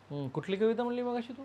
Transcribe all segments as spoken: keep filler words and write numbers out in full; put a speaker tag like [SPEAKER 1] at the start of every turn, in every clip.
[SPEAKER 1] हम्म, कुठली कविता म्हणली मग अशी तू?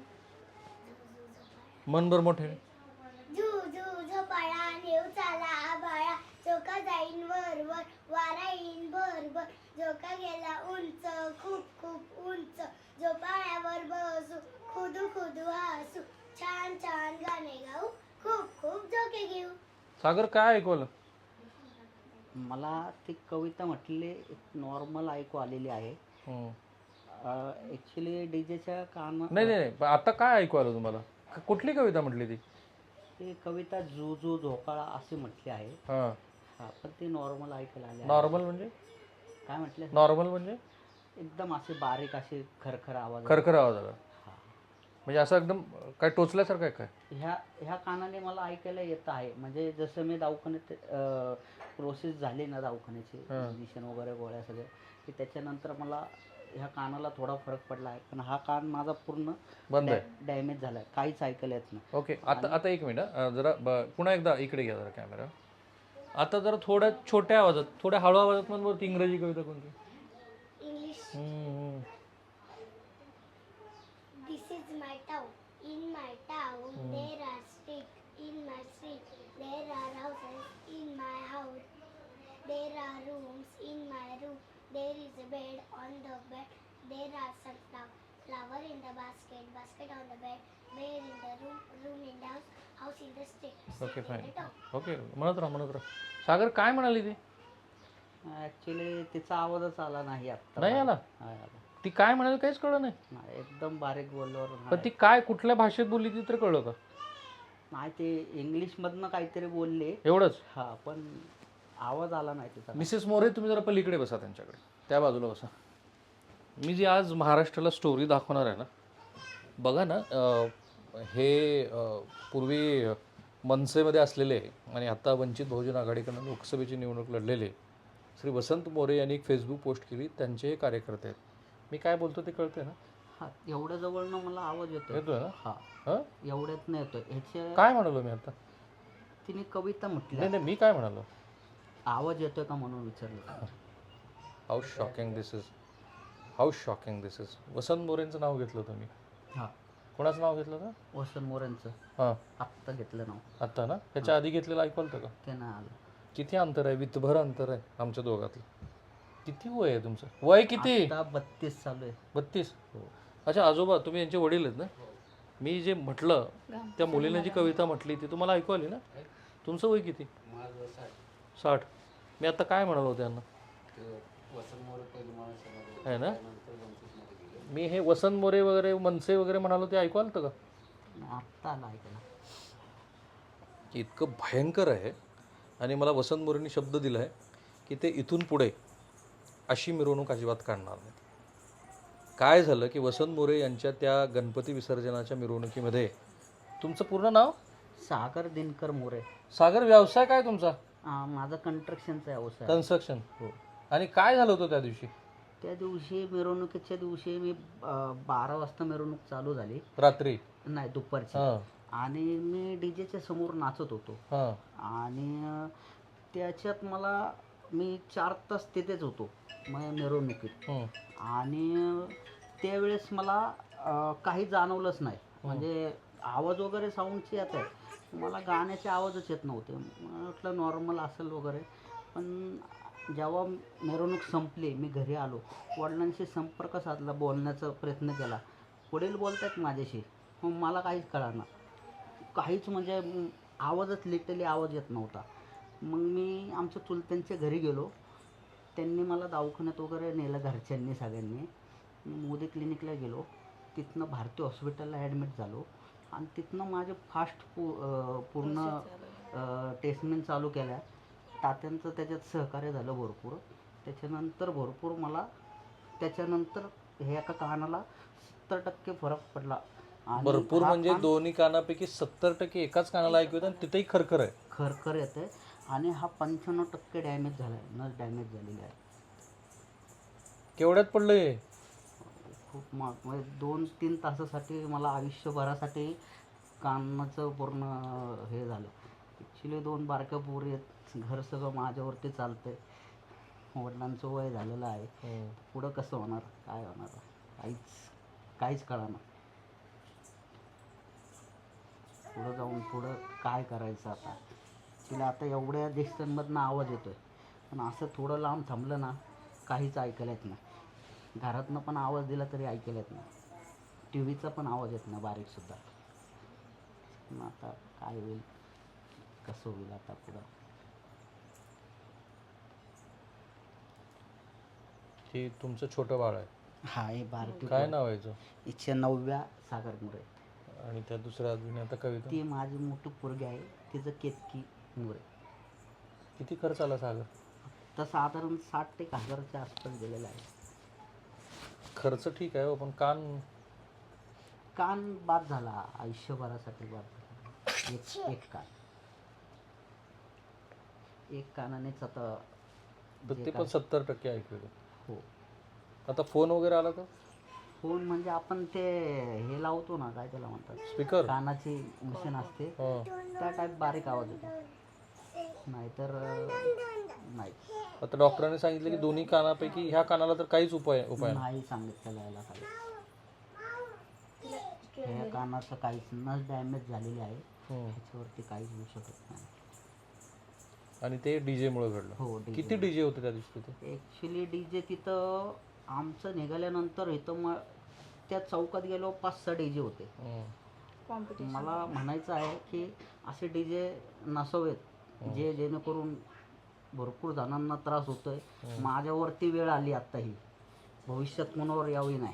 [SPEAKER 1] मनभर मोठे.
[SPEAKER 2] झू झू झोपाळा नेऊ चाला आबाळा झोका जाईन वर वर वारा येईन भर भर झोका गेला उंच खूप खूप उंच झोपाळ्यावर बसू खुदू खुदू हसू छान छान गाणे गाऊ खूप खूप झोके घेऊ.
[SPEAKER 1] सागर काय ऐकवलं?
[SPEAKER 3] मला ती कविता म्हटली एक नॉर्मल ऐकू आलेली आहे.
[SPEAKER 1] हम्म.
[SPEAKER 3] ॲक्च्युली डी जेच्या कान
[SPEAKER 1] नाही नाही नाही, पण आता काय ऐकू आलं तुम्हाला? क- कुठली कविता म्हटली ती?
[SPEAKER 3] ती कविता जू जू झोपाळा अशी म्हटली आहे.
[SPEAKER 1] हां.
[SPEAKER 3] हा पण ती नॉर्मल ऐकायला आली आहे.
[SPEAKER 1] नॉर्मल म्हणजे?
[SPEAKER 3] काय म्हटलं?
[SPEAKER 1] नॉर्मल म्हणजे
[SPEAKER 3] एकदम असे बारीक असे खरखर आवाज.
[SPEAKER 1] खरखर आवाज आला
[SPEAKER 3] हा.
[SPEAKER 1] म्हणजे असं एकदम काय टोचल्यासारखं आहे काय?
[SPEAKER 3] ह्या ह्या कानाने मला ऐकायला येत आहे. म्हणजे जसं मी दवाखान्यात प्रोसेस झाली ना दवाखान्याची इंजेक्शन वगैरे गोळ्या सगळ्या की त्याच्यानंतर मला ह्या कानाला थोडा फरक पडला आहे. पण हा कान माझा पूर्ण
[SPEAKER 1] बंद आहे.
[SPEAKER 3] डॅमेज झाला आहे. काहीच ऐकायला येत नाही.
[SPEAKER 1] ओके, आता आता एक मिनिट अं, जरा ब- पुन्हा एकदा इकडे घ्या जरा कॅमेरा. आता जरा थोड्या छोट्या आवाजात, थोड्या हळू आवाजात म्हणून बरं ती इंग्रजी कविता कोणती?
[SPEAKER 2] इंग्लिश.
[SPEAKER 1] हम्म.
[SPEAKER 2] This is my town. In my town there are streets. In my street there are houses. In my house there are rooms. In my room there is a bed. On the bed there are some flower. Flower in the basket. Basket on the bed. Bear in the room. Room in the house. House in the street.
[SPEAKER 1] Okay
[SPEAKER 2] Street in
[SPEAKER 1] fine.
[SPEAKER 2] the town.
[SPEAKER 1] Okay, म्हणत राहा म्हणत राहा. सागर काय म्हणाली ती?
[SPEAKER 3] Actually तिचा आवाजच आला नाही आता.
[SPEAKER 1] नाही आला?
[SPEAKER 3] नाही आला.
[SPEAKER 1] ती काय म्हणाली काहीच कळलं नाही.
[SPEAKER 3] नाही, एकदम बारीक बोलल्यावर
[SPEAKER 1] पण ती काय कुठल्या भाषेत बोलली ती तर कळलं का?
[SPEAKER 3] नाही, ते इंग्लिशमधनं काहीतरी बोलले.
[SPEAKER 1] एवढंच?
[SPEAKER 3] हा पण आवाज आला नाही तिचा.
[SPEAKER 1] मिसेस मोरे, तुम्ही जरा पलीकडे बसा, त्यांच्याकडे त्या बाजूला बसा. मी जी आज महाराष्ट्राला स्टोरी दाखवणार आहे ना, बघा ना, अं, हे अं, पूर्वी मनसेमध्ये असलेले आणि आता वंचित बहुजन आघाडीकडनं लोकसभेची निवडणूक लढलेले श्री वसंत मोरे यांनी एक फेसबुक पोस्ट केली. त्यांचे हे कार्यकर्ते आहेत. मी काय बोलतो ते कळते ना?
[SPEAKER 3] हा एवढ्या जवळनं मला आवाज येतोय.
[SPEAKER 1] येतोय ना?
[SPEAKER 3] हा
[SPEAKER 1] हां,
[SPEAKER 3] एवढ्यात नाही येतोय. ह्याच्या
[SPEAKER 1] काय म्हणालो मी आता?
[SPEAKER 3] तिने कविता म्हटली.
[SPEAKER 1] नाही नाही, मी काय म्हणालो?
[SPEAKER 3] आवाज येतोय का म्हणून विचारलं.
[SPEAKER 1] How shocking this is, how shocking this is. Vasant मोरेंचं नाव घेतलं होतं मी.
[SPEAKER 3] हा
[SPEAKER 1] कोणाचं नाव घेतलं होतं?
[SPEAKER 3] वसंत मोरेंचं
[SPEAKER 1] हां,
[SPEAKER 3] आत्ता घेतलं नाव.
[SPEAKER 1] आत्ता ना? ह्याच्या आधी घेतलेलं ऐकवलं होतं का?
[SPEAKER 3] ते नाही आलं.
[SPEAKER 1] किती अंतर आहे? वितभर अंतर आहे आमच्या दोघातलं. किती वय आहे तुमचं? वय किती?
[SPEAKER 3] आता बत्तीस चालू आहे.
[SPEAKER 1] बत्तीस. अच्छा, आजोबा तुम्ही यांचे वडील आहेत ना? मी जे म्हटलं त्या मुलीने जी कविता म्हटली ती तुम्हाला ऐकू आली ना? तुमचं वय किती? साठ. मी आता काय म्हणालो त्यांना आहे ना? मी हे वसंत मोरे वगैरे मनसे वगैरे म्हणालो ते ऐकू आलं होतं का?
[SPEAKER 3] आत्ता आलं ऐकायला.
[SPEAKER 1] इतकं भयंकर आहे. आणि मला वसंत मोरेंनी शब्द दिला आहे की ते इथून पुढे अशी मिरवणूक अजिबात काढणार नाही. काय झालं की वसंत मोरे यांच्या त्या गणपती विसर्जनाच्या मिरवणुकीमध्ये, तुमचं पूर्ण नाव?
[SPEAKER 3] सागर दिनकर मोरे.
[SPEAKER 1] सागर, व्यवसाय काय तुमचा?
[SPEAKER 3] हा, माझा कंस्ट्रक्शनचा व्यवसाय.
[SPEAKER 1] कन्स्ट्रक्शन.
[SPEAKER 3] हो.
[SPEAKER 1] आणि काय झालं होतं त्या दिवशी?
[SPEAKER 3] त्या दिवशी मिरवणुकीच्या दिवशी मी अं, बारा वाजता मिरवणूक चालू झाली.
[SPEAKER 1] रात्री?
[SPEAKER 3] नाही, दुपारची.
[SPEAKER 1] हां
[SPEAKER 3] आणि मी डी जेच्या समोर नाचत होतो.
[SPEAKER 1] हां
[SPEAKER 3] आणि अं, त्याच्यात मला मी चार तास तिथेच होतो मग मिरवणुकीत.
[SPEAKER 1] हं.
[SPEAKER 3] आणि अं, त्यावेळेस मला अं, काही जाणवलंच नाही. म्हणजे आवाज वगैरे साऊंडची येत आहे, मला गाण्याचे आवाजच येत नव्हते. मला वाटलं नॉर्मल असेल वगैरे. पण जेव्हा मिरवणूक संपली, मी घरी आलो, वडिलांशी संपर्क साधला, बोलण्याचा प्रयत्न केला. वडील बोलत आहेत माझ्याशी, मग मला काहीच कळेना. काहीच म्हणजे म, आवाजच लिटरली आवाज येत नव्हता. मग मी आमच्या चुलत्यांच्या घरी गेलो. त्यांनी मला दवाखान्यात वगैरे नेलं घरच्यांनी सगळ्यांनी. मोदी क्लिनिकला गेलो. तिथनं भारती हॉस्पिटलला ॲडमिट झालो. आणि तिथनं माझे फास्ट पू अं, पूर्ण टेस्टमेंट चालू केल्या. तात्यांचं त्याच्यात सहकार्य झालं भरपूर. त्याच्यानंतर भरपूर मला त्याच्यानंतर हे एका कानाला सत्तर टक्के फरक पडला. आणि
[SPEAKER 1] भरपूर
[SPEAKER 3] हा
[SPEAKER 1] म्हणजे
[SPEAKER 3] कान
[SPEAKER 1] दोन्ही कानापैकी सत्तर टक्के एकाच कानाला ऐकू येतं आणि तिथेही खरखर आहे.
[SPEAKER 3] खरखर येते. आणि हा पंच्याण्णव टक्के डॅमेज झाला आहे, नस डॅमेज झालेली आहे.
[SPEAKER 1] केवढ्यात पडलं हे?
[SPEAKER 3] खूप मग म्हणजे दोन तीन तासासाठी मला आयुष्यभरासाठी कानाचं पूर्ण हे झालं. ॲक्च्युली दोन बारक्या पोरी आहेत, घर सगळं माझ्यावरती चालतं आहे. वडिलांचं वय झालेलं आहे.
[SPEAKER 1] हं.
[SPEAKER 3] पुढं कसं होणार, काय होणार, काहीच काहीच कळाना. पुढं जाऊन पुढं काय करायचं आता. तिला आता एवढ्या डिस्टन्समधनं आवाज येतोय, पण असं थोडं लांब थांबलं ना काहीच ऐकायला येत नाही. घरातनं पण आवाज दिला तरी ऐकायला येत नाही. टी व्हीचा पण आवाज येत नाही बारीकसुद्धा. मग आता काय होईल, कसं होईल आता पुढं.
[SPEAKER 1] हे तुमचं छोटं बाळ आहे.
[SPEAKER 3] हा हे बारकी
[SPEAKER 1] काय नाव आहे याचं?
[SPEAKER 3] इच्छा नवव्या सागर मुरे.
[SPEAKER 1] आणि त्या दुसऱ्या अजून आता कविता.
[SPEAKER 3] ती माझी मोठी पोरगी आहे, तिचं केतकी मुरे.
[SPEAKER 1] किती खर्च आला सागर?
[SPEAKER 3] तर साधारण साठ ते एक हजाराच्या आसपास गेलेला आहे.
[SPEAKER 1] खर्च ठीक आहे हो, पण कान
[SPEAKER 3] कान बाद झाला, आयुष्यभरासाठी बाद झाला. एक एक कान एक कानानेच आता
[SPEAKER 1] तर
[SPEAKER 3] जे
[SPEAKER 1] ते पण
[SPEAKER 3] काय-
[SPEAKER 1] सत्तर टक्के ऐकू येतं.
[SPEAKER 3] हो.
[SPEAKER 1] आता फोन वगैरे आला तर
[SPEAKER 3] फोन म्हणजे आपण ते हे लावतो ना, काय त्याला म्हणतात,
[SPEAKER 1] स्पीकर.
[SPEAKER 3] कानाची मशीन असते,
[SPEAKER 1] हां.
[SPEAKER 3] त्या टाईप बारीक आवाज येतो. नाहीतर अं, नाही
[SPEAKER 1] आता डॉक्टरांनी सांगितलं की दोन्ही कानापैकी ह्या कानाला तर काहीच उपाय उपाय नाही.
[SPEAKER 3] नाही सांगितलेलं याला काही. ह्या कानाचं काहीच नस डॅमेज झालेली आहे,
[SPEAKER 1] हम्म.
[SPEAKER 3] ह्याच्यावरती काहीच होऊ शकत नाही.
[SPEAKER 1] आणि ते डीजे मुळे घडलं.
[SPEAKER 3] हो, D J
[SPEAKER 1] किती डीजे होते त्या दिवशी तिथे?
[SPEAKER 3] ॲक्च्युली डी जे तिथं आमचं निघाल्यानंतर इथं मग त्या चौकात गेलो, पाच सहा डी जे होते.
[SPEAKER 1] हम्म.
[SPEAKER 3] मला म्हणायचं आहे की असे डी जे नसावेत जे जेणेकरून भरपूर जणांना त्रास होतोय. माझ्यावरती वेळ आली आत्ता ही, भविष्यात कोणावर यावी नाही.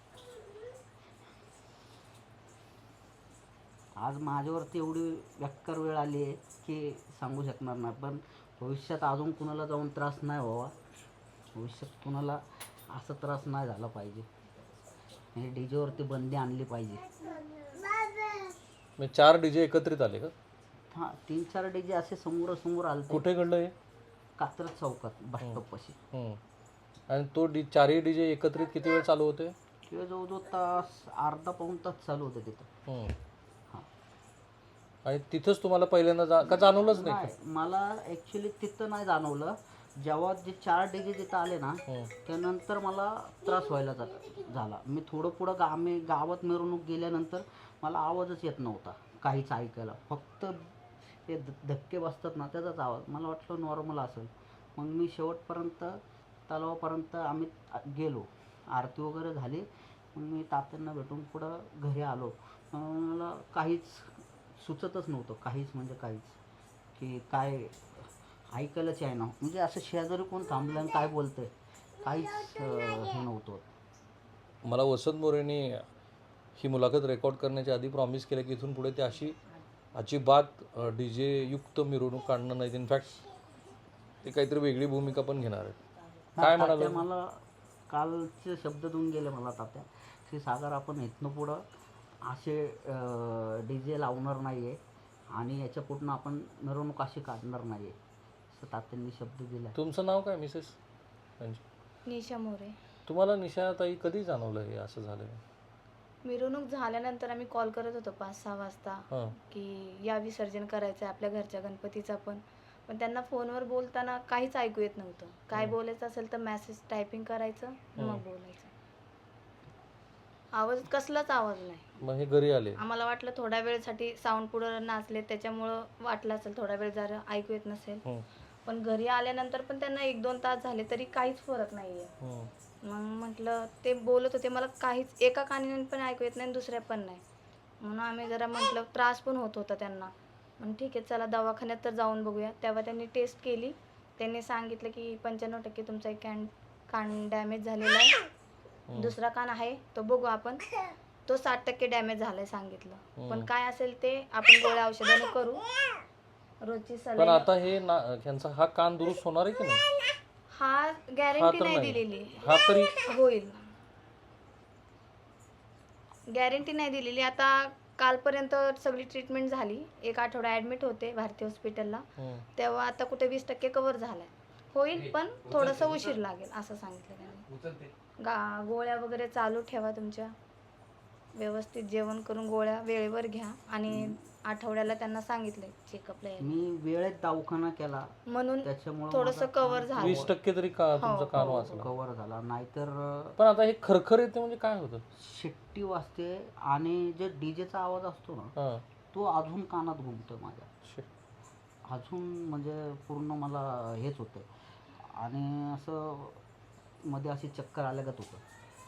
[SPEAKER 3] आज माझ्यावरती एवढी बेकार वेळ आली आहे की सांगू शकणार नाही. पण भविष्यात अजून कुणाला जाऊन त्रास नाही व्हावा, भविष्यात कुणाला असा त्रास नाही झाला पाहिजे. म्हणजे डी जेवरती बंदी आणली पाहिजे.
[SPEAKER 1] म्हणजे चार डीजे एकत्रित आले का?
[SPEAKER 3] हां, तीन चार डी जे असे समोरासमोर आले.
[SPEAKER 1] कुठे घडलं हे?
[SPEAKER 3] कात्रज चौकात बस स्टॉपपाशी.
[SPEAKER 1] हम्म. आणि तो डी चारही डीजे एकत्रित किती वेळ चालू होते?
[SPEAKER 3] किंवा जवळजवळ तास अर्धा पाऊण तास चालू होतं तिथं.
[SPEAKER 1] हम्म.
[SPEAKER 3] हां.
[SPEAKER 1] आणि तिथंच तुम्हाला पहिल्यांदा जा का जाणवलंच नाही का?
[SPEAKER 3] नाही, मला ॲक्च्युली तिथं नाही जाणवलं. जेव्हा जे चार डी जे तिथं आले ना,
[SPEAKER 1] हम्म.
[SPEAKER 3] त्यानंतर मला त्रास व्हायला जा- झाला. मी थोडं पुढं गा आम्ही गावात मिरवणूक गेल्यानंतर मला आवाजच येत नव्हता काहीच ऐकायला. फक्त ते ध धक्के बसतात ना, त्याचाच आवाज. मला वाटलं नॉर्मल असेल. मग मी शेवटपर्यंत तलावापर्यंत आम्ही गेलो, आरती वगैरे झाली. मग मी तात्यांना भेटून पुढं घरी आलो. अं, मला काहीच सुचतच नव्हतं, काहीच म्हणजे काहीच, की काय ऐकायलाच आहे ना. म्हणजे असं शेजारी कोण थांबलं आणि काय बोलतंय काहीच अं, हे नव्हतं.
[SPEAKER 1] मला वसंत मोरेंनी ही मुलाखत रेकॉर्ड करण्याच्या आधी प्रॉमिस केलं की इथून पुढे ते अशी अजिबात डी जे युक्त मिरवणूक काढणार नाहीत. इनफॅक्ट ते काहीतरी वेगळी भूमिका पण घेणार आहेत. काय
[SPEAKER 3] तात्या
[SPEAKER 1] म्हणाले?
[SPEAKER 3] मला कालचे शब्द देऊन गेले मला तात्या, की सागर आपण इथनं पुढं असे डी जे लावणार नाही आहे आणि याच्या पुढनं आपण मिरवणूक अशी काढणार नाही आहे, असं तात्यांनी शब्द दिला.
[SPEAKER 1] तुमचं नाव काय मिसेस?
[SPEAKER 4] निशा मोरे.
[SPEAKER 1] तुम्हाला निशाताई कधी जाणवलं हे असं झालं?
[SPEAKER 4] मिरवणूक झाल्यानंतर आम्ही कॉल करत होतो पाच सहा वाजता
[SPEAKER 1] हां.
[SPEAKER 4] की या विसर्जन करायचं आहे आपल्या घरच्या गणपतीचा पण पण त्यांना फोनवर बोलताना काहीच ऐकू येत नव्हतं. काय बोलायचं असेल तर मेसेज टायपिंग करायचं मग बोलायचं. आवाज कसलाच आवाज नाही.
[SPEAKER 1] मग हे घरी आले?
[SPEAKER 4] आम्हाला वाटलं थोड्या वेळसाठी साऊंड पुढं नाचले त्याच्यामुळं वाटलं असेल थोडा वेळ जरा ऐकू येत नसेल.
[SPEAKER 1] हम्म.
[SPEAKER 4] पण घरी आल्यानंतर पण त्यांना एक दोन तास झाले तरी काहीच फरक नाही आहे.
[SPEAKER 1] हम्म.
[SPEAKER 4] मग म्हटलं ते बोलत होते मला काहीच एका कानाने पण ऐकू येत नाही दुसऱ्या पण नाही. म्हणून आम्ही जरा म्हटलं त्रास पण होत होता त्यांना. मग ठीक आहे चला दवाखान्यात तर जाऊन बघूया. तेव्हा त्यांनी टेस्ट केली. त्यांनी सांगितलं की पंच्याण्णव टक्के तुमचा एक कॅन कान डॅमेज झालेला आहे. दुसरा कान आहे तो बघू आपण, तो साठ टक्के डॅमेज झालाय सांगितलं. पण काय असेल ते आपण गोळ्या औषधाने करू. रोजची
[SPEAKER 1] पण
[SPEAKER 4] सलाईन
[SPEAKER 1] आता हे ना ह्यांचा हा कान दुरुस्त होणार आहे की नाही?
[SPEAKER 4] हा
[SPEAKER 1] हा
[SPEAKER 4] गॅरंटी
[SPEAKER 1] तर
[SPEAKER 4] नाही
[SPEAKER 1] नाही.
[SPEAKER 4] दिलेली.
[SPEAKER 1] हा तरी
[SPEAKER 4] होईल गॅरंटी नाही दिलेली. आता कालपर्यंत सगळी ट्रीटमेंट झाली. एक आठवडा ॲडमिट होते भारती हॉस्पिटलला.
[SPEAKER 1] हम्म.
[SPEAKER 4] तेव्हा आता कुठे वीस टक्के कव्हर झालाय. होईल पण थोडंसं उशीर लागेल असं सांगितलं त्यांनी. गा गोळ्या वगैरे चालू ठेवा तुमच्या. व्यवस्थित जेवण करून गोळ्या वेळेवर घ्या आणि आठवड्याला त्यांना सांगितलंय चेकअपला यायला.
[SPEAKER 3] मी वेळेत दवाखाना केला
[SPEAKER 4] म्हणून
[SPEAKER 3] त्याच्यामुळे
[SPEAKER 4] थोडंसं कव्हर झालं.
[SPEAKER 1] वीस टक्के तरी का
[SPEAKER 4] हो,
[SPEAKER 1] तुमचा कान
[SPEAKER 4] हो,
[SPEAKER 1] वाचला.
[SPEAKER 3] कव्हर झाला. नाहीतर अं,
[SPEAKER 1] पण आता हे खरखर येते म्हणजे काय होतं?
[SPEAKER 3] शिट्टी वाजते आणि जे डीजेचा आवाज असतो ना
[SPEAKER 1] हां
[SPEAKER 3] तो अजून कानात घुमतो माझ्या.
[SPEAKER 1] शे.
[SPEAKER 3] अजून म्हणजे पूर्ण मला हेच होतं आणि असं मध्ये अशी चक्कर आल्यागत होतं.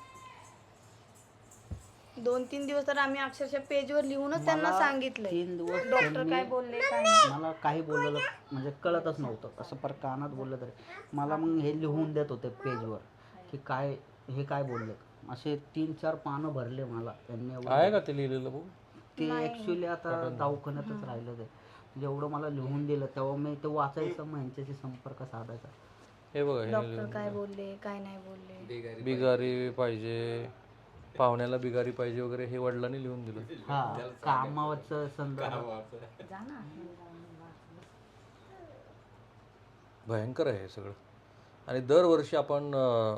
[SPEAKER 4] दोन तीन दिवस तर आम्ही अक्षरशः पेजवर लिहूनच त्यांना
[SPEAKER 3] मला
[SPEAKER 4] सांगितलंय.
[SPEAKER 3] तीन दिवस
[SPEAKER 4] डॉक्टर
[SPEAKER 3] त्यांनी
[SPEAKER 4] काय बोलले काय नाही.
[SPEAKER 3] मला काही बोललेलं म्हणजे कळतच नव्हतं. असं पर कानात बोललं तरी मला मग हे लिहून देत होते पेजवर की काय हे काय बोलले. असे तीन चार पानं भरले मला त्यांनी. एवढं
[SPEAKER 1] आहे का ते लिहिलेलं बघ?
[SPEAKER 3] ते ॲक्च्युली आता दवाखान्यातच राहिलं ते. जेवढं मला लिहून दिलं तेव्हा मी ते वाचायचं, मग यांच्याशी संपर्क साधायचा.
[SPEAKER 1] हे बघा हे
[SPEAKER 4] डॉक्टर काय बोलले काय नाही बोलले.
[SPEAKER 1] बिगारी पाहिजे, पाहुण्याला बिगारी पाहिजे वगैरे हे वडिलांनी लिहून दिलं.
[SPEAKER 3] हा कामावरचं संदर्भ.
[SPEAKER 1] भयंकर आहे हे सगळं. आणि दरवर्षी आपण अ,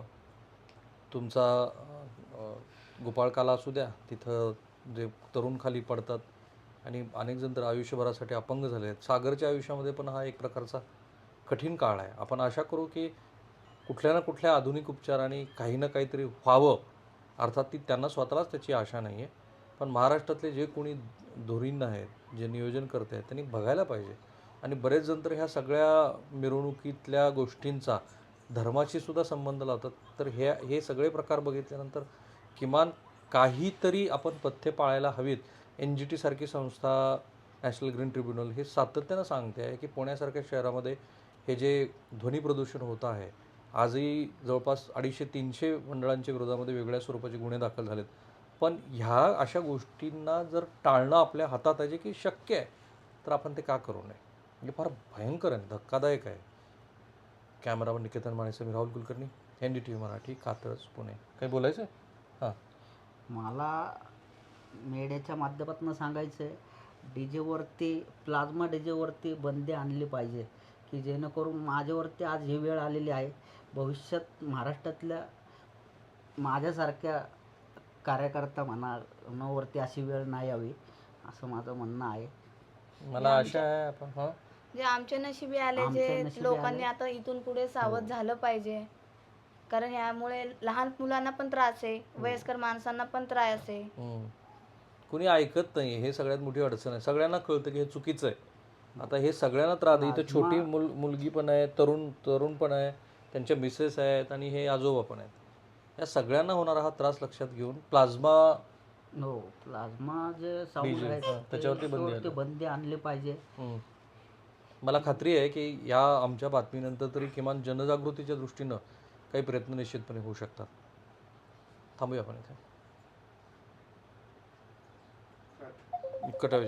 [SPEAKER 1] तुमचा अ, गोपाळकाला असू द्या, तिथं जे तरुण खाली पडतात आणि अनेक जण तर आयुष्यभरासाठी अपंग झाले आहेत. सागरच्या आयुष्यामध्ये पण हा एक प्रकारचा कठीण काळ आहे. आपण आशा करू की कुठल्या ना कुठल्या आधुनिक उपचाराने काही ना काहीतरी व्हावं. अर्थात ती त्यांना स्वतःलाच त्याची आशा नाही आहे, पण महाराष्ट्रातले जे कोणी धुरीण आहेत, जे नियोजन करते आहेत, त्यांनी बघायला पाहिजे. आणि बरेच जण तर ह्या सगळ्या मिरवणुकीतल्या गोष्टींचा धर्माशी सुद्धा संबंध लावतात. तर हे हे सगळे प्रकार बघितल्यानंतर किमान काहीतरी आपण पथ्य पाळायला हवीत. एन जी टी सारखी संस्था, नॅशनल ग्रीन ट्रिब्युनल हे सातत्यानं सांगते आहे की पुण्यासारख्या शहरामध्ये हे जे ध्वनी प्रदूषण होतं आहे, आजही जवळपास अडीचशे तीनशे मंडळांच्या विरोधामध्ये वेगळ्या स्वरूपाचे गुन्हे दाखल झालेत. पण ह्या अशा गोष्टींना जर टाळणं आपल्या हातात आहे, जे की शक्य आहे, तर आपण ते का करू नये? म्हणजे फार भयंकर आहे, धक्कादायक आहे. कॅमेरावर निकेतन माणेसं, मी Rahul Kulkarni, N D T V Marathi, Katraj, Pune. काही बोलायचं आहे? हां.
[SPEAKER 3] मला मीडियाच्या माध्यमातून सांगायचं आहे, डी जेवरती प्लाझ्मा डी जेवरती बंदी आणली पाहिजे की जेणेकरून माझ्यावरती आज ही वेळ आलेली आहे. भविष्यात महाराष्ट्रातल्या माझ्यासारख्या कार्यकर्ता म्हणा वरती अशी वेळ नाही यावी असं माझं म्हणणं आहे.
[SPEAKER 1] मला आशा आहे आपण हां
[SPEAKER 4] जे आमच्या नशिबी आले,
[SPEAKER 3] आमच्या
[SPEAKER 4] जे
[SPEAKER 3] नशिबी
[SPEAKER 4] लोकांनी
[SPEAKER 3] आले.
[SPEAKER 4] आता इथून पुढे सावध झालं पाहिजे. कारण यामुळे लहान मुलांना पण त्रास आहे, वयस्कर माणसांना पण त्रास आहे.
[SPEAKER 1] हम्म. कुणी ऐकत नाही, हे सगळ्यात मोठी अडचण आहे. सगळ्यांना कळतं की हे चुकीचं आहे. आता हे सगळ्यांना त्रास आहे. इथं छोटी मुल मुलगी पण आहे, तरुण तरुण पण आहे, त्यांच्या मिसेस आहेत आणि हे आजोबा पण आहेत. या सगळ्यांना होणारा हा त्रास लक्षात घेऊन प्लाझ्मा
[SPEAKER 3] हो, प्लाझ्मा जे साऊंड
[SPEAKER 1] डीजे,
[SPEAKER 3] आहे
[SPEAKER 1] हां, त्याच्यावरती बंदी
[SPEAKER 3] त्याच्यावरती
[SPEAKER 1] आली.
[SPEAKER 3] बंदी आणली पाहिजे.
[SPEAKER 1] हम्म. मला खात्री आहे की या आमच्या बातमीनंतर तरी किमान जनजागृतीच्या दृष्टीनं काही प्रयत्न निश्चितपणे होऊ शकतात. थांबूया आपण इथे. कटावी